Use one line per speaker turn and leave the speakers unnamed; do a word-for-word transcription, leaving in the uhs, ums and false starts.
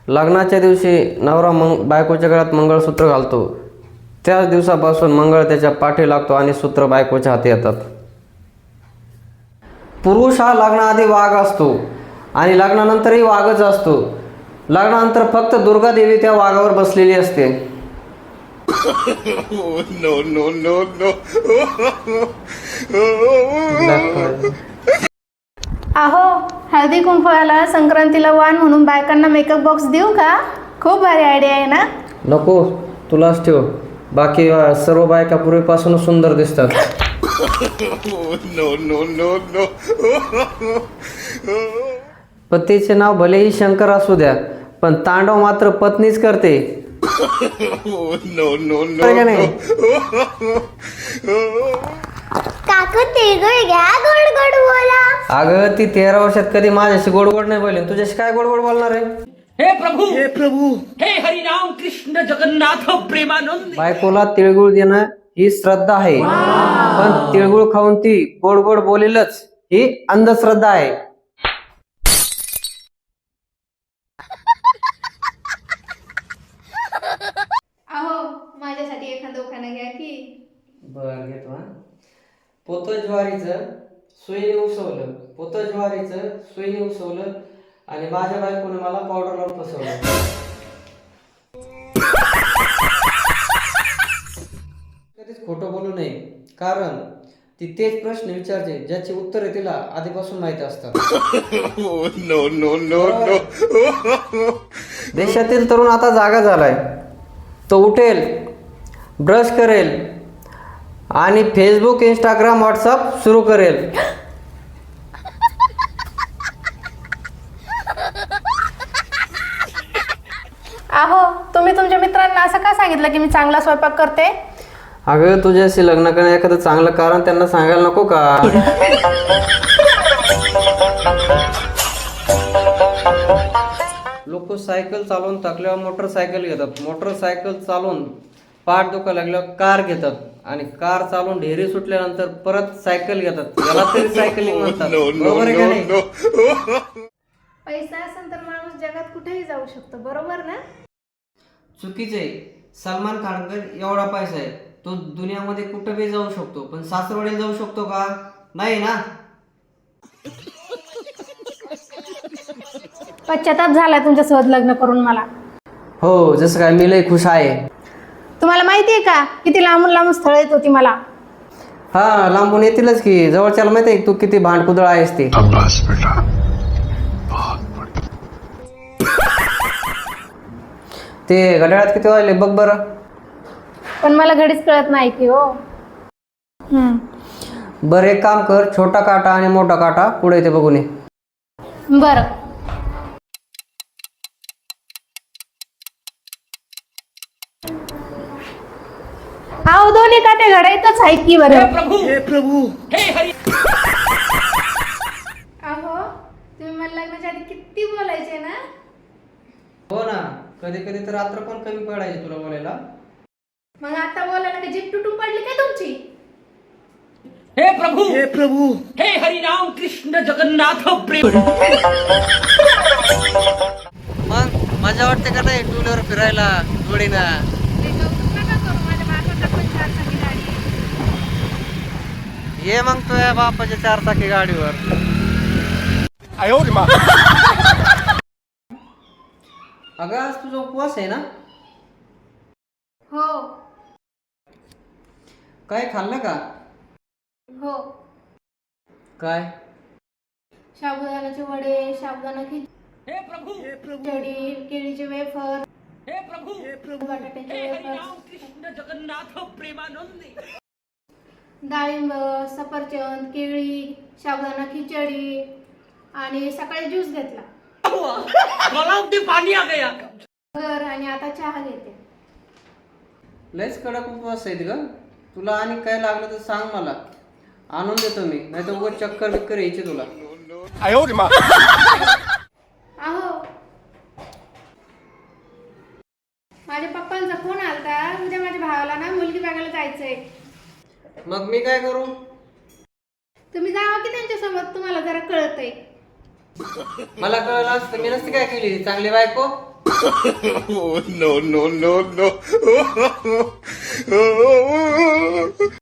लग्नाच्या दिवशी नवरा मंग बायकोच्या गळ्यात मंगळसूत्र घालतो. त्याच दिवसापासून मंगळ त्याच्या पाठी लागतो आणि सूत्र बायकोच्या हाती येतात. पुरुष हा लग्नाआधी वाघ असतो आणि लग्नानंतरही वाघच असतो. लग्नानंतर फक्त दुर्गा देवी त्या वाघावर बसलेली असते.
नो नो नो नो
अहो, हळदी कुंकवाला संक्रांतीला वाण म्हणून बायकांना मेकअप बॉक्स देऊ का? खूप भारी आयडिया आहे ना.
नको, तुलाच ठेव. बाकी अ, सर्व बायका पूर्वीपासूनच सुंदर दिसतात.
नो नो नो नो
पतीचे नाव भलेही शंकर असू द्या, पण तांडव मात्र पत्नीच करते.
नो नो नो
बरं का नाही?
काकू तिळगुळ घ्या, गोड गोड बोला.
अगं ती तेरा वर्षात कधी माझ्याशी गोड गोड नाही बोलली, तुझ्याशी काय गोड गोड बोलणार आहे?
हे प्रभु हे प्रभु हे हरिनाम कृष्ण जगन्नाथ प्रेमानंद.
बायकोला तिळगुळ देणं ही श्रद्धा आहे, पण तिळगुळ खाऊन ती गोड गोड बोलेलच ही अंधश्रद्धा आहे.
अहो, माझ्यासाठी एखादं उखाणं घ्या की.
बर घेतो हा. पोत ज्वारीचं सुईने उसवलं, पोत ज्वारीचं सुईने उसवलं आणि माझ्या बायकोने मला पावडर लावून फसवलं. कधीच खोटं बोलू नये, कारण ती तेच प्रश्न विचारते ज्याची उत्तरे तिला आधीपासून माहिती असतात.
नो नो नो नो
देशातील तरुण आता जागा झालाय. तो उठेल, ब्रश करेल आणि फेसबुक, इंस्टाग्राम, व्हॉट्सअप सुरू करेल.
अहो, तुम्ही तुमच्या मित्रांना असं का सांगितलं की मी चांगला स्वयंपाक करते?
अगं तुझ्याशी लग्न करण्या एखादं चांगलं कारण त्यांना सांगायला नको का? लोक सायकल चालवून थकल्यावर मोटरसायकल घेतात, मोटरसायकल चालवून पाठ दुखायला लागल्यावर कार घेतात आणि कार चालवून ढेरी सुटल्यानंतर परत सायकल घेतात. याला तरी सायकलिंग म्हणतात. बरोबर आहे का नाही?
पैसा असेल तर माणूस जगात कुठेही जाऊ शकतो, बरोबर ना?
चुकीचे. सलमान खानकडे एवढा पैसा आहे, तो दुनियामध्ये कुठं बी जाऊ शकतो, पण सासरवाडीला जाऊ शकतो का? नाही ना.
पश्चाताप झालाय तुमच्यासोबत लग्न करून मला.
हो, जसं काय मी लय खुश आहे.
तुम्हाला माहितीये का किती लांबून लांबून स्थळ येत होती मला?
हा, लांबून येतीलच की. जवळच्याला माहिती आहे तू किती भांडकुदळ आहेस ते. ते घड्याळात किती वाजले बघ बरं.
पण मला घडीच कळत नाही की हो. हम्म.
बरं एक काम कर, छोटा काटा आणि मोठा काटा पुढे येते बघून ये.
बरं. अहो, दोन्ही काटे घडायतच आहेत की बरं.
हे प्रभु हे प्रभु हे हरि.
अहो, तुम्ही मला लग्नाच्या आधी किती बोलायचे ना?
हो ना, कधी कधी तर रात्र पण कमी पडायची तुला बोलायला.
मग आता बोलायला का जीभ तुटून पडली काय तुमची?
हे प्रभु हे प्रभु हे हरिनाम कृष्ण जगन्नाथ प्रेम.
मग मजा वाटते का नाही टू व्हीलर फिरायला जोडीनं? ये मग तुझ्या बापाच्या चार चाकी गाडीवर. अगं आज तुझा उपवास आहे ना?
हो
काय खाल्लं का?
हो.
काय?
साबुदाण्याचे वडे, साबुदाणा
हे प्रभु हे प्रभु
खिचडी, केळीचे वेफर,
हे प्रभु हे प्रभु
बटाट्याचे
हे
वेफर,
हरिनाम कृष्ण जगन्नाथ प्रेमानंद.
डाळिंब, सफरचंद, केळी, साबुदाणा खिचडी आणि सकाळी ज्यूस घेतला.
गलाव में पानी आ गया.
घर आणि आता चहा घेते.
लयच कडक उपवास आहेत ग. तुला आणि काय लागलं तर सांग, मला आणून देतो मी. नाही तर उगाच चक्कर बिक्कर यायची तुला.
अहो, माझ्या पप्पांचा फोन आलता, उद्या माझ्या भावाला ना मुलगी बघायला जायचंय.
मग मी काय करू?
तुम्ही जावा की त्यांच्यासोबत, तुम्हाला जरा कळतंय.
मला कळलं असतं मी नसती काय केली चांगली बायको.
Oh, no, no, no, no.